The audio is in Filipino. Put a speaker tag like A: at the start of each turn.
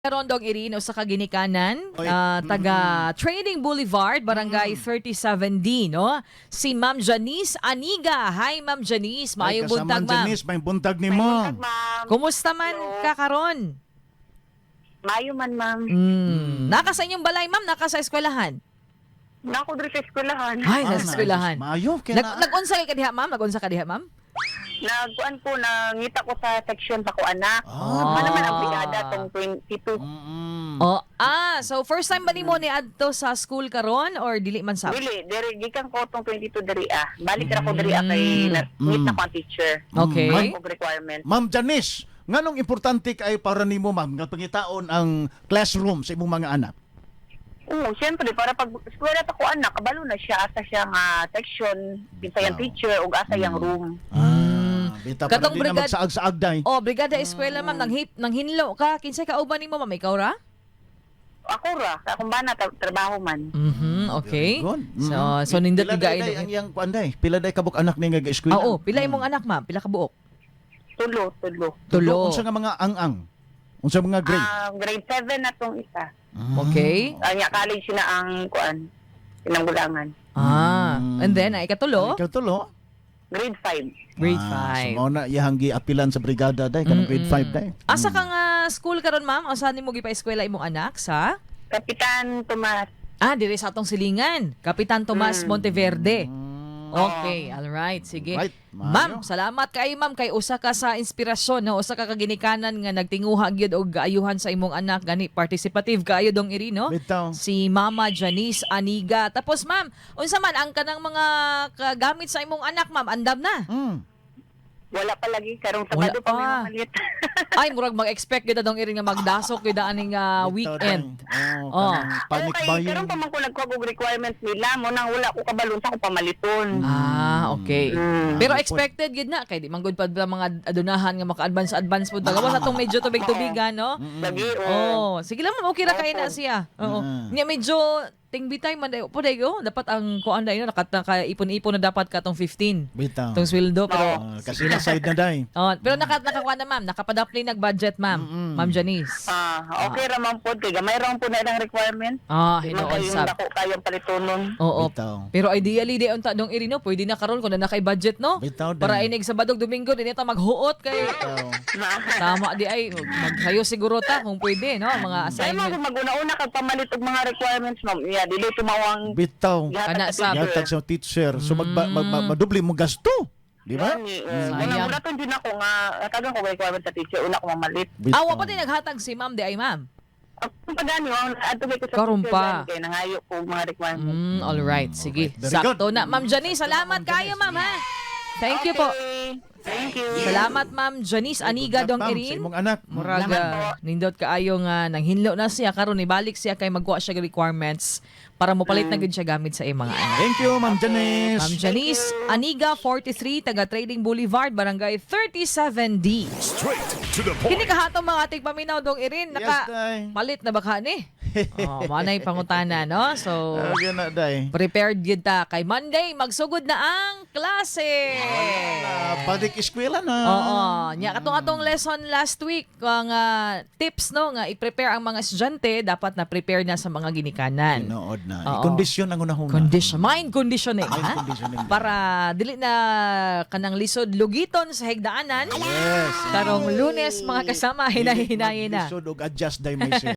A: Rondong Irino sa Kaginikanan,
B: Oy.
A: taga Trading Boulevard, Barangay 37D, no? Si Ma'am Janice Aniga. Hi, Ma'am Janice. Maayong buntag, ma'am.
B: Janice, may buntag ni
C: May
B: mo.
C: buntag, ma'am.
A: Kumusta man
C: Hello.
A: kakaron?
C: Mayo man, ma'am.
A: Naka sa inyong balay, ma'am? Naka sa eskwelahan?
C: Nako diri sa eskwelahan.
A: Ay, sa eskwelahan.
B: Maayo, kaya na.
A: Nag-unsa ka diha, ma'am? Nag-unsa ka diha, ma'am?
C: Nagkuan ko, nangita ko sa section pa ko anak.
B: Ah.
C: Ano naman ang brigada tong 22.
A: Oh, so first time ba nimo ni adto sa school karon or dili man sa?
C: Dili, diri gikan ko tong 22 diri ah. Balik ra ko diri kay meet na ko ang teacher.
A: Okay.
C: Ang kong requirement.
B: Ma'am Janice, nganong importante kay para nimo ma'am nga pangitaon ang classroom sa imong mga anak?
C: Oo, siyempre para pag eskwela ta ko anak, kabalo na siya asa siya nga section, binsayang teacher ug asa yang room.
B: Bita para
A: Katong
B: di na
A: brigad-
B: magsaag-saag day.
A: Oh, brigada eskwela, ma'am. Nanghinlo ka. Kinsay ka uban nimo, ma'am? Ikaw ra?
C: Ako ra, sa akong bana trabaho man.
A: Okay.
B: Very good.
A: So nindot
B: Pila
A: tiga
B: day ang iyang kuan day? Pila day kabuk anak ni nga eskwela?
A: Oo, pila imong anak, ma'am? Pila ka buok?
C: Tulo.
A: Tulo.
B: Unsa nga mga ang-ang? Unsa mga grade?
C: Grade 7 na tong isa.
A: Okay.
C: Anya college na ang kuan, pinanggulangan.
A: And then, ay katulo?
B: Ikaw tulo?
C: Grade 5.
A: Grade
B: So
A: 5.
B: mao na iyang giapilan sa brigada day kanang grade 5 day.
A: Asa ka nga school karon, ma'am? O saan nimo gipa-eskwela imong anak? Sa?
C: Kapitan Tomas.
A: Diri sa atong silingan. Kapitan Tomas Monteverde. Okay, all right. Sige.
B: Right,
A: Ma'am,
B: maayo.
A: salamat kay ma'am kay usa ka sa inspirasyon, no? Usa ka kaginikanan nga nagtinguha gyud og gaayuhan sa imong anak gani participative kaayo dong iri, no?
B: Bitaw.
A: Si Mama Janice Aniga. Tapos ma'am, unsa man ang kanang mga kagamit sa imong anak, ma'am? Andam na.
C: Wala pa lagi karong
A: Wala
C: Sabado pa may
A: pa.
C: mamalit.
A: Ay, murag mag-expect gyud dong iri nga magdasok gyud aning weekend. Oh.
B: Panic buying.
C: Karong pa man ko nagkuha og requirements nila mo nang wala ko kabalon sa ko pamaliton.
A: Okay. Pero expected gid na kay di man gud pa ba mga adunahan nga maka-advance pud gawas atong medyo tubig-tubigan, no?
C: Lagi
A: Sige lang ma'am, okay ra kay na siya. Oo. Nya medyo tingbitay man dayo po dayo. Dapat ang kuan dayo naka-ipon-ipon na dapat ka tong 15.
B: Bitaw.
A: Tong sweldo pero
B: Kasi na side na day.
A: pero nakakuha na ma'am, nakapadapli nag-budget ma'am. Ma'am Janice.
C: okay ra man pod kay gamay ra man po na ilang requirement.
A: Hinuon
C: Yung
A: sab.
C: dako kayong palitonon.
A: Oo.
B: Bitaw.
A: Pero ideally di unta dong iri, no, pwede na karon kung na budget, no?
B: Bitaw din.
A: Para inig Sabado Domingo din ta maghuot kay tama di ay magsayo siguro ta kung pwede, no, mga
C: Kaya mo
A: assignment.
C: maguna-una kag pamalit og mga requirements ma'am. Yeah, dili tumawang
B: Bitaw.
A: Kana sa-
B: Yatag sa teacher. So madubli mo gasto. Di ba?
A: Sayang.
C: Una to din ako nga tagang ko requirement sa teacher una ko mamalit.
B: Bitaw.
A: Awa pa din naghatag si ma'am di ay ma'am.
C: Ang pagani ang adto ko sa
A: Karon
C: teacher
A: pa.
C: kay nangayo ko mga requirements.
A: All right, sige.
B: Very
A: Sakto
B: good.
A: na. Ma'am Janice, salamat kayo, ma'am, ha. Thank you po.
C: Thank you.
A: Salamat, Ma'am Janice Aniga dong
B: Sa
A: irin.
B: imong anak.
A: Muraga, nindot kaayo nga nanghinlo na siya karon ibalik siya kay magkuha siya ng requirements para mopalit na gud siya gamit sa iyang mga anak.
B: Thank you, Ma'am Janice.
A: Ma'am Janice Aniga, 43, taga Trading Boulevard, Barangay 37D.
D: Straight to the point.
A: Kini kahatong mga ating paminaw dong irin,
B: Yes,
A: naka
B: day.
A: palit na baka ni. Manay pangutana, no? So,
B: Agyan na, day.
A: prepared yun ta. Kay Monday, magsugod na ang klase.
B: Balik eskwela na.
A: Oo. Nya katong lesson last week, ang tips, no, nga i-prepare ang mga estudyante, dapat na prepare na sa mga ginikanan.
B: Inood na.
A: Oo.
B: Kondisyon ang unahuna.
A: Mind conditioning,
B: Mind
A: ha?
B: conditioning.
A: Para dili na kanang lisod lugiton sa higdaanan.
B: Yes.
A: Karong Lunes, mga kasama, hinahinay na.
B: Mag-lisod og adjust day may